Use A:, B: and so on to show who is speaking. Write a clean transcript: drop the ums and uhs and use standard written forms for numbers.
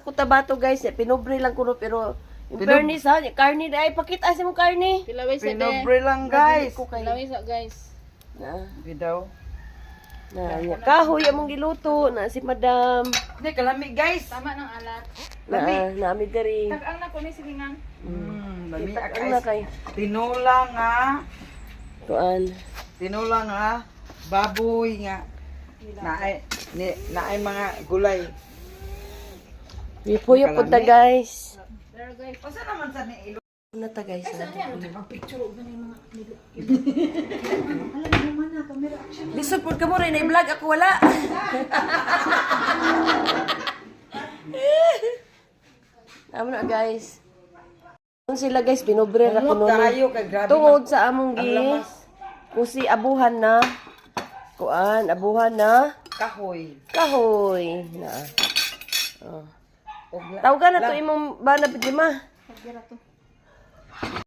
A: sa Cotabato guys, pinobre lang kuno pero in fairness ha, karni ay pakita sa mo karni.
B: Pilaway sa
C: Pinobre lang guys.
A: Ko kay
B: Pilaway sa guys.
A: na.
C: Bidaw.
A: Na kahoy among giluto na si Madam.
C: Hindi, kalami guys.
B: Tama ng alat.
A: Na nami diri.
B: Tag-ang na ko ni sige nga.
C: Lami
A: Ang na
C: guys.
A: kay
C: Tinula nga.
A: kuan.
C: Tinula nga. Baboy nga. Naay mga gulay.
A: Ipuyo po ta guys.
B: Pero guys,
C: Pasa naman sa ni ilo.
A: Na ta guys.
C: Picture og ni mga
A: Lisod pud ka mo rin i-vlog ako wala. Amo na guys. Kung sila guys pinobre ra kuno
C: tayo kay grabe.
A: tungod sa among
C: ang
A: gi
C: lamas.
A: kusi abuhan na kuan abuhan na
C: Kahoy.
A: kahoy na. Oh.
C: Og
A: Tawagan na to imong bana pidlima.
B: pagdira to.